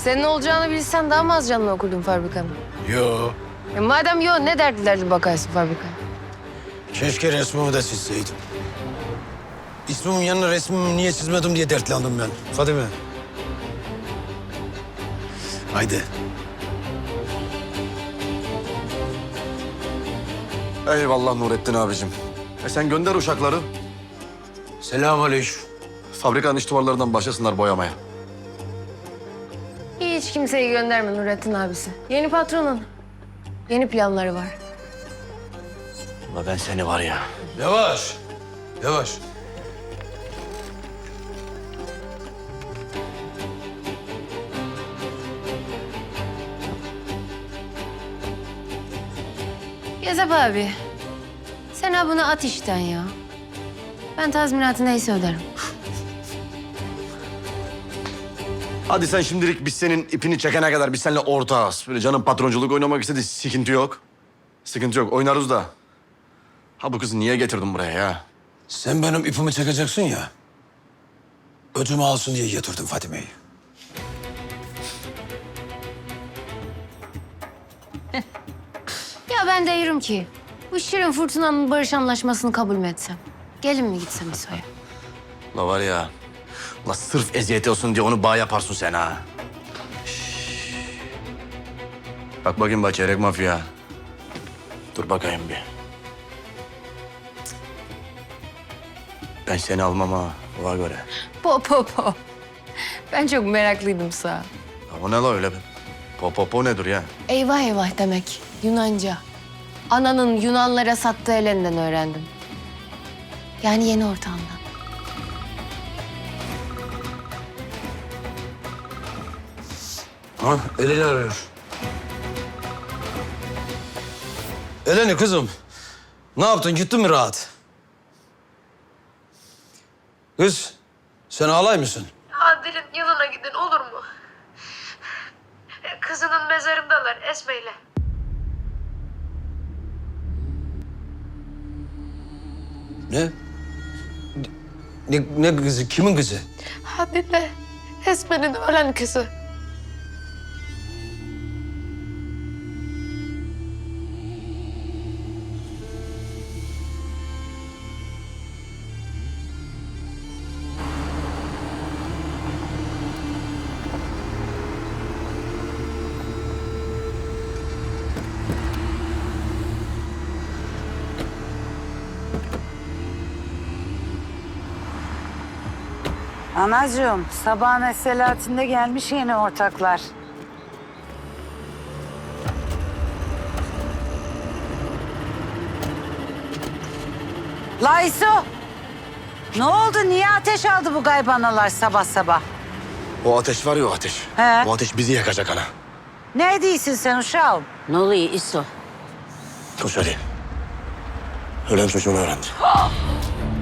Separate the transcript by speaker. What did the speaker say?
Speaker 1: Senin olacağını bilsen daha mı az canını okurdun fabrikanın?
Speaker 2: Yo.
Speaker 1: Madem yok ne dertlerle bakarsın fabrikaya?
Speaker 2: Keşke resmimi de çizseydim. İsmimin yanına resmimi niye çizmedim diye dertlendim ben. Fadime. Haydi.
Speaker 3: Eyvallah Nurettin abicim. Sen gönder uşakları.
Speaker 2: Selamünaleyküm.
Speaker 3: Fabrikanın iç duvarlarından başlasınlar boyamaya.
Speaker 1: Hiç kimseyi gönderme Nurettin abisi. Yeni patronun. Yeni planları var.
Speaker 3: Ulan ben seni var ya.
Speaker 2: Yavaş. Yavaş.
Speaker 1: Gezep abi. Sen ha bunu at işten ya. Ben tazminatı neyse öderim.
Speaker 3: Hadi sen şimdilik biz senin ipini çekene kadar biz seninle ortağız. Böyle canım patronculuk oynamak istedi. Sıkıntı yok. Sıkıntı yok. Oynarız da. Ha bu kızı niye getirdin buraya ya?
Speaker 2: Sen benim ipimi çekeceksin ya. Ödümü alsın diye getirdim Fadime'yi.
Speaker 1: Ya ben de diyorum ki bu Şirin Fırtına'nın barış anlaşmasını kabul mü etsem? Gelin mi gitsem İso'ya?
Speaker 3: La var ya. La sırf eziyet olsun diye onu bağ yaparsın sen ha. Şşş. Bak bakayım bak çeyrek mafya. Dur bakayım bir. Ben seni almam ha. Ona göre.
Speaker 1: Po. Ben çok meraklıydım sağ.
Speaker 3: Ya o ne la öyle be? Po nedir ya?
Speaker 1: Eyvah eyvah demek Yunanca. Ananın Yunanlara sattığı elinden öğrendim. Yani yeni ortağımdan.
Speaker 2: Ha, Eleni arıyor. Eleni kızım. Ne yaptın? Gittin mi rahat? Kız, sen alay mısın?
Speaker 4: Adil'in yanına gidin olur mu? Kızının mezarındalar Esme'yle.
Speaker 2: Ne? Ne kızı? Kimin kızı?
Speaker 4: Adil'le Esme'nin ölen kızı.
Speaker 5: Anacığım, sabahın esselatinde gelmiş yeni ortaklar. Layso! Ne oldu? Niye ateş aldı bu gaybanalar sabah sabah?
Speaker 3: O ateş var ya o ateş.
Speaker 5: He.
Speaker 3: O ateş bizi yakacak ana.
Speaker 5: Ne değilsin sen uşağım?
Speaker 6: Ne oluyor İso?
Speaker 3: Dur söyleyeyim. Ölen çocuğunu öğrendi.